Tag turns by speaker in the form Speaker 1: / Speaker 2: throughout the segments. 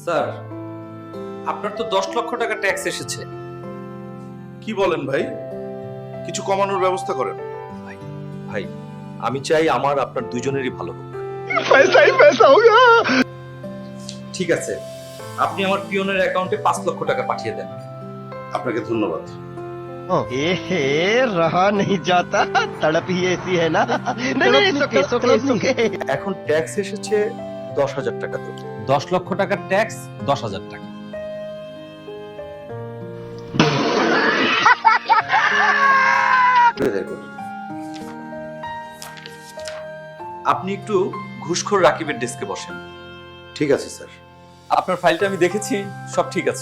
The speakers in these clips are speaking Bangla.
Speaker 1: স্যার, আপনার তো 10 লক্ষ টাকা ট্যাক্স এসেছে।
Speaker 2: কি বলেন ভাই? কিছু কমানোর ব্যবস্থা করেন।
Speaker 1: ভাই, আমি চাই আমার আপনার দুজনেরই ভালো হোক। ঠিক আছে, আপনি আমার পিয়নের অ্যাকাউন্টে 5 লক্ষ টাকা পাঠিয়ে দেন।
Speaker 2: আপনাকে ধন্যবাদ।
Speaker 3: एहे रहा नहीं जाता तड़प ही ऐसी है ना नहीं नहीं सुके
Speaker 1: এখন ট্যাক্স এসেছে 10,000 টাকা। তো 10 লক্ষ টাকার ট্যাক্স 10,000 টাকা। আপনি একটু ঘুষখোর রাকিবের ডেস্কে বসেন।
Speaker 2: ঠিক আছে স্যার।
Speaker 1: আপনার ফাইলটা আমি দেখেছি, সব ঠিক আছে।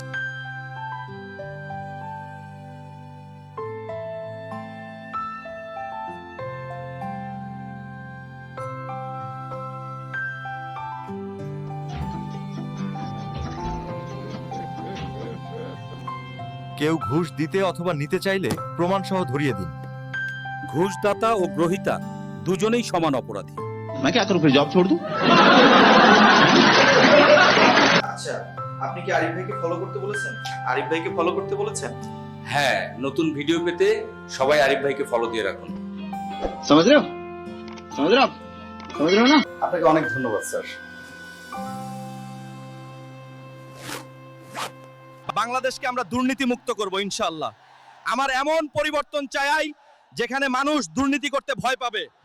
Speaker 4: কেউ ঘুষ দিতে অথবা নিতে চাইলে প্রমাণ সহ ধরিয়ে দিন।
Speaker 5: ঘুষদাতা ও গ্রহীতা দুজনেই সমান অপরাধী।
Speaker 6: मैं क्या करूं फिर जॉब छोड़ दूं?
Speaker 1: আচ্ছা, আপনি কি আরিফ ভাইকে ফলো করতে বলেছেন? আরিফ ভাইকে ফলো করতে বলেছেন?
Speaker 5: হ্যাঁ, নতুন ভিডিও পেতে সবাই আরিফ ভাইকে ফলো দিয়ে রাখুন।
Speaker 6: समझ रहे हो? समझ रहे हो आप? समझ रहे हो ना?
Speaker 1: আপনাকে অনেক ধন্যবাদ স্যার।
Speaker 4: বাংলাদেশকে আমরা দুর্নীতি মুক্ত করব ইনশাআল্লাহ। আমার এমন পরিবর্তন চাই যেখানে মানুষ দুর্নীতি করতে ভয় পাবে।